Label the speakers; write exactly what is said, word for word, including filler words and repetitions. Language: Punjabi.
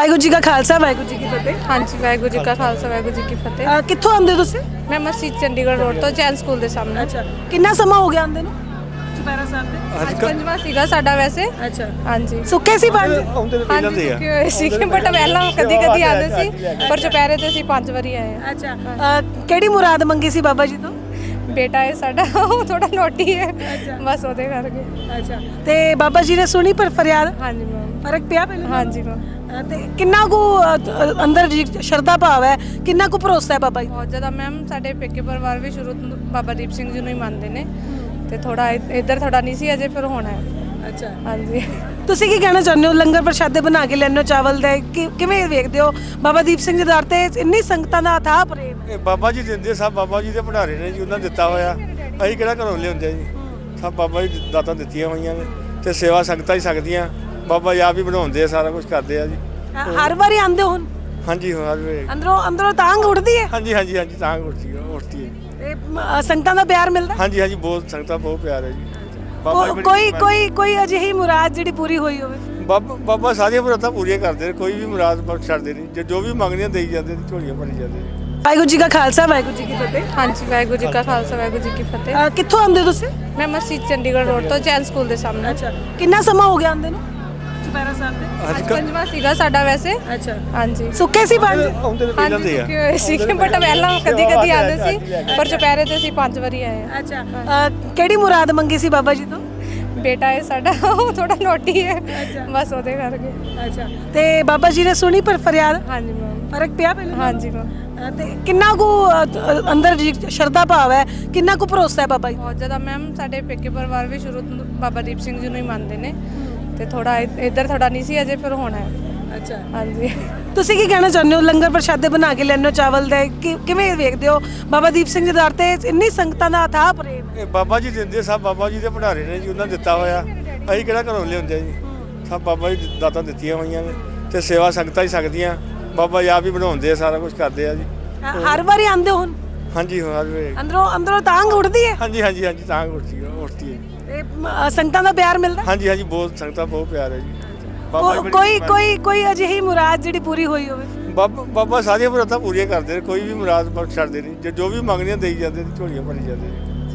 Speaker 1: ਵਾਹਿਗੁਰੂ ਜੀ ਕਾ ਖਾਲਸਾ ਵਾਹਿਗੁਰੂ ਜੀ ਕੀ ਫਤਿਹ।
Speaker 2: हाँ जी वाहगुरू जी का खालसा वाहगुरू जी की फतेह।
Speaker 1: ਅਹ ਕਿੱਥੋਂ ਆਉਂਦੇ ਹੋ ਤੁਸੀਂ?
Speaker 2: मैं मस्जिद चंडीगढ़ रोड तो जैन स्कूल ਦੇ ਸਾਹਮਣੇ।
Speaker 1: ਅੱਛਾ, ਕਿੰਨਾ ਸਮਾਂ ਹੋ ਗਿਆ ਆਉਂਦੇ ਨੂੰ ਚੁਪਹਿਰਾ ਸਾਹਿਬ ਤੇ?
Speaker 2: ਅੱਜ ਪੰਜਵਾਂ ਸੀਗਾ ਸਾਡਾ ਵੈਸੇ।
Speaker 1: ਅੱਛਾ,
Speaker 2: ਹਾਂਜੀ
Speaker 1: ਸੁੱਕੇ ਸੀ ਪੰਜ?
Speaker 3: ਆਉਂਦੇ ਤਾਂ
Speaker 2: ਹਾਂਜੀ
Speaker 3: ਜਾਂਦੇ ਆ
Speaker 2: ਸੁੱਕੇ ਹੋਏ ਸੀ ਬਟ ਪਹਿਲਾਂ ਕਦੀ ਕਦੀ ਆਉਂਦੇ ਸੀ ਪਰ ਚੁਪਹਿਰੇ ਤੇ ਅਸੀਂ ਪੰਜ ਵਾਰੀ ਆਏ ਹਾਂ।
Speaker 1: ਅੱਛਾ, ਅਹ ਕਿਹੜੀ ਮੁਰਾਦ ਮੰਗੀ ਸੀ ਬਾਬਾ ਜੀ ਤੋਂ?
Speaker 2: ਬੇਟਾ ਹੈ ਸਾਡਾ ਉਹ ਥੋੜਾ ਨੋਟੀ ਹੈ ਬਸ ਉਹਦੇ ਕਰਕੇ।
Speaker 1: ਅੱਛਾ, ਤੇ ਬਾਬਾ ਜੀ ਨੇ ਸੁਣੀ ਪਰ ਫਰਿਆਦ?
Speaker 2: ਹਾਂਜੀ ਮੈਮ।
Speaker 1: ਫਰਕ ਪਿਆ ਪਹਿਲਾਂ?
Speaker 2: ਹਾਂਜੀ ਮੈਮ।
Speaker 1: ਅਹ ਤੇ ਕਿੰਨਾ ਕੁ ਅਹ, ਅੰਦਰ ਜੀ ਸ਼ਰਧਾ ਭਾਵ ਹੈ, ਕਿੰਨਾ ਕੁ ਭਰੋਸਾ ਹੈ ਬਾਬਾ ਜੀ?
Speaker 2: ਬਹੁਤ ਜ਼ਿਆਦਾ ਮੈਮ। ਸਾਡੇ ਪੇਕੇ ਪਰਿਵਾਰ ਵੀ ਸ਼ੁਰੂ ਤੋਂ ਬਾਬਾ ਦੀਪ ਸਿੰਘ ਜੀ ਨੂੰ ਹੀ ਮੰਨਦੇ ਨੇ ਤੇ ਥੋੜਾ ਇੱਧਰ ਥੋੜਾ ਨਹੀਂ ਸੀ ਅਜੇ, ਫਿਰ ਹੋਣਾ ਹੈ।
Speaker 1: ਅੱਛਾ,
Speaker 2: ਹਾਂਜੀ।
Speaker 1: ਤੁਸੀਂ ਕੀ ਕਹਿਣਾ ਚਾਹੁੰਦੇ ਹੋ? ਲੰਗਰ ਪ੍ਰਸ਼ਾਦੇ ਬਣਾ ਕੇ ਲੈਣੇ ਹੋ ਚਾਵਲ ਦੇ, ਕਿ- ਕਿਵੇਂ ਵੇਖਦੇ ਹੋ ਬਾਬਾ ਦੀਪ ਸਿੰਘ ਜੀ ਦੇ ਦਰ ਤੇ ਇੰਨੀ ਸੰਗਤਾਂ ਦਾ ਅਥਾਹ ਪ੍ਰੇਮ?
Speaker 3: ਇਹ ਬਾਬਾ ਜੀ ਦਿੰਦੇ, ਸਭ ਬਾਬਾ ਜੀ ਦੇ ਭੰਡਾਰੇ ਨੇ ਜੀ, ਉਹਨਾਂ ਨੇ ਦਿੱਤਾ ਹੋਇਆ। ਅਸੀਂ ਕਿਹੜਾ ਘਰੋਂ ਲਿਆਉਂਦੇ ਜੀ, ਸਭ ਬਾਬਾ ਜੀ ਦੀ ਦਾਤਾਂ ਦਿੱਤੀਆਂ ਹੋਈਆਂ ਨੇ ਤੇ ਸੇਵਾ ਸੰਗਤਾਂ ਹੀ ਸਕਦੀਆਂ। ਬਾਬਾ ਜੀ ਆਪ ਹੀ ਬਣਾਉਂਦੇ ਆ, ਸਾਰਾ ਕੁਝ ਕਰਦੇ ਆ ਜੀ।
Speaker 1: ਹਰ ਵਾਰੀ ਆਉਂਦੇ ਹੋ ਹੁਣ?
Speaker 3: ਹਾਂਜੀ ਹਰ ਵੇਲੇ।
Speaker 1: ਅੰਦਰੋਂ ਅੰਦਰੋਂ ਤਾਂਘ ਉੱਠਦੀ ਹੈ
Speaker 3: ਹਾਂਜੀ ਹਾਂਜੀ ਹਾਂਜੀ ਤਾਂ ਉੱਠਦੀ ਹੈ ਉੱਠਦੀ ਹੈ ਜੀ।
Speaker 1: ਤੇ ਮ- ਸੰਗਤਾਂ ਦਾ ਪਿਆਰ ਮਿਲਦਾ?
Speaker 3: ਹਾਂਜੀ ਹਾਂਜੀ ਬਹੁਤ ਸੰਗਤਾਂ ਬਹੁਤ ਪਿਆਰ ਹੈ ਜੀ। ਬਾਬਾ ਜੀ
Speaker 1: ਕੋ-
Speaker 3: ਬੜੀ
Speaker 1: ਕੋਈ
Speaker 3: ਮਿਹਰਬਾਨੀ।
Speaker 1: ਕੋਈ ਕੋਈ ਅਜਿਹੀ ਮੁਰਾਦ ਜਿਹੜੀ ਪੂਰੀ ਹੋਈ ਹੋਵੇ?
Speaker 3: ਬਾਬਾ ਬਾਬਾ ਸਾਰੀਆਂ ਮੁਰਾਦਾਂ ਪੂਰੀਆਂ ਕਰਦੇ ਨੇ, ਕੋਈ ਵੀ ਮੁਰਾਦ ਬਖਸ਼ ਛੱਡਦੇ ਨਹੀਂ। ਜੋ ਜੋ ਵੀ ਮੰਗਦੇ ਦੇਈ ਜਾਂਦੇ ਨੇ, ਝੋਲੀਆਂ ਭਰੀ ਜਾਂਦੇ ਨੇ।
Speaker 1: ਵਾਹਿਗੁਰੂ ਜੀ ਕਾ ਖਾਲਸਾ ਵਾਹਿਗੁਰੂ ਜੀ ਕੀ ਫਤਿਹ।
Speaker 2: ਹਾਂਜੀ ਵਾਹਿਗੁਰੂ ਜੀ ਕਾ ਖਾਲਸਾ ਵਾਹਿਗੁਰੂ ਜੀ ਕੀ ਫਤਿਹ।
Speaker 1: ਅਹ ਕਿੱਥੋਂ ਆਉਂਦੇ ਹੋ ਤੁਸੀਂ?
Speaker 2: ਮੈਂ ਮਸਜਿਦ ਚੰਡੀਗੜ੍ਹ ਰੋਡ ਤੋਂ ਜੈਨ ਸਕੂਲ ਦੇ ਸਾਹਮਣੇ।
Speaker 1: ਅੱਛਾ, ਕਿੰਨਾ ਸਮਾਂ ਹੋ ਗਿਆ ਆਉਂਦੇ ਨੂੰ ਚੁਪਹਿਰਾ ਸਾਹਿਬ ਤੇ?
Speaker 2: ਅੱਜ ਪੰਜਵਾਂ ਸੀਗਾ ਸਾਡਾ ਵੈਸੇ।
Speaker 1: ਅੱਛਾ,
Speaker 2: ਹਾਂਜੀ
Speaker 1: ਸੁੱਕੇ ਸੀ ਪੰਜ?
Speaker 3: ਆਉਂਦੇ ਤਾਂ
Speaker 2: ਹਾਂਜੀ
Speaker 3: ਜਾਂਦੇ ਆ
Speaker 2: ਸੁੱਕੇ ਹੋਏ ਸੀ ਬਟ ਪਹਿਲਾਂ ਕਦੀ ਕਦੀ ਆਉਂਦੇ ਸੀ ਪਰ ਚੁਪਹਿਰੇ ਤੇ ਅਸੀਂ ਪੰਜ ਵਾਰੀ ਆਏ ਹਾਂ।
Speaker 1: ਅੱਛਾ, ਅਹ ਕਿਹੜੀ ਮੁਰਾਦ ਮੰਗੀ ਸੀ ਬਾਬਾ ਜੀ ਤੋਂ?
Speaker 2: ਬੇਟਾ ਹੈ ਸਾਡਾ ਉਹ ਥੋੜਾ ਨੋਟੀ ਹੈ ਬਸ ਉਹਦੇ ਕਰਕੇ।
Speaker 1: ਅੱਛਾ, ਤੇ ਬਾਬਾ ਜੀ ਨੇ ਸੁਣੀ ਪਰ ਫਰਿਆਦ?
Speaker 2: ਹਾਂਜੀ ਮੈਮ।
Speaker 1: ਫਰਕ ਪਿਆ ਪਹਿਲਾਂ?
Speaker 2: ਹਾਂਜੀ ਮੈਮ।
Speaker 1: ਅਹ ਤੇ ਕਿੰਨਾ ਕੁ ਅਹ, ਅੰਦਰ ਜੀ ਸ਼ਰਧਾ ਭਾਵ ਹੈ, ਕਿੰਨਾ ਕੁ ਭਰੋਸਾ ਹੈ ਬਾਬਾ ਜੀ?
Speaker 2: ਬਹੁਤ ਜ਼ਿਆਦਾ ਮੈਮ। ਸਾਡੇ ਪੇਕੇ ਪਰਿਵਾਰ ਵੀ ਸ਼ੁਰੂ ਤੋਂ ਬਾਬਾ ਦੀਪ ਸਿੰਘ ਜੀ ਨੂੰ ਹੀ ਮੰਨਦੇ ਨੇ ਤੇ ਥੋੜਾ ਇੱਧਰ ਥੋੜਾ ਨਹੀਂ ਸੀ ਅਜੇ, ਫਿਰ ਹੋਣਾ ਹੈ।
Speaker 1: ਅੱਛਾ,
Speaker 2: ਹਾਂਜੀ।
Speaker 1: ਤੁਸੀਂ ਕੀ ਕਹਿਣਾ ਚਾਹੁੰਦੇ ਹੋ? ਲੰਗਰ ਪ੍ਰਸ਼ਾਦੇ ਬਣਾ ਕੇ ਲੈਣੇ ਹੋ ਚਾਵਲ ਦੇ, ਕਿ- ਕਿਵੇਂ ਵੇਖਦੇ ਹੋ ਬਾਬਾ ਦੀਪ ਸਿੰਘ ਜੀ ਦੇ ਦਰ ਤੇ ਇੰਨੀ ਸੰਗਤਾਂ ਦਾ ਅਥਾਹ ਪ੍ਰੇਮ?
Speaker 3: ਇਹ ਬਾਬਾ ਜੀ ਦਿੰਦੇ, ਸਭ ਬਾਬਾ ਜੀ ਦੇ ਭੰਡਾਰੇ ਨੇ ਜੀ, ਉਹਨਾਂ ਨੇ ਦਿੱਤਾ ਹੋਇਆ। ਅਸੀਂ ਕਿਹੜਾ ਘਰੋਂ ਲਿਆਉਂਦੇ ਜੀ, ਸਭ ਬਾਬਾ ਜੀ ਦੀ ਦਾਤਾਂ ਦਿੱਤੀਆਂ ਹੋਈਆਂ ਨੇ ਤੇ ਸੇਵਾ ਸੰਗਤਾਂ ਹੀ ਸਕਦੀਆਂ। ਬਾਬਾ ਜੀ ਆਪ ਹੀ ਬਣਾਉਂਦੇ ਆ, ਸਾਰਾ ਕੁਝ ਕਰਦੇ ਆ ਜੀ।
Speaker 1: ਹਰ ਵਾਰੀ ਆਉਂਦੇ ਹੋ ਹੁਣ?
Speaker 3: ਹਾਂਜੀ ਹਰ ਵੇਲੇ।
Speaker 1: ਅੰਦਰੋਂ ਅੰਦਰੋਂ ਤਾਂਘ ਉੱਠਦੀ ਹੈ?
Speaker 3: ਹਾਂਜੀ ਹਾਂਜੀ ਹਾਂਜੀ ਤਾਂ ਉੱਠਦੀ ਹੈ ਉੱਠਦੀ ਹੈ ਜੀ।
Speaker 1: ਤੇ ਮ- ਸੰਗਤਾਂ ਦਾ ਪਿਆਰ ਮਿਲਦਾ?
Speaker 3: ਹਾਂਜੀ ਹਾਂਜੀ ਬਹੁਤ ਸੰਗਤਾਂ ਬਹੁਤ ਪਿਆਰ ਹੈ ਜੀ। ਬਾਬਾ ਜੀ
Speaker 1: ਕੋ-
Speaker 3: ਬੜੀ
Speaker 1: ਕੋਈ
Speaker 3: ਮਿਹਰਬਾਨੀ।
Speaker 1: ਕੋਈ ਕੋਈ ਅਜਿਹੀ ਮੁਰਾਦ ਜਿਹੜੀ ਪੂਰੀ ਹੋਈ ਹੋਵੇ?
Speaker 3: ਬਾਬਾ ਬਾਬਾ ਸਾਰੀਆਂ ਮੁਰਾਦਾਂ ਪੂਰੀਆਂ ਕਰਦੇ ਨੇ, ਕੋਈ ਵੀ ਮੁਰਾਦ ਬਖਸ਼ ਛੱਡਦੇ ਨਹੀਂ। ਜੋ ਜੋ ਵੀ ਮੰਗਦੇ ਦੇਈ ਜਾਂਦੇ ਨੇ, ਝੋਲੀਆਂ ਭਰੀ ਜਾਂਦੇ ਨੇ।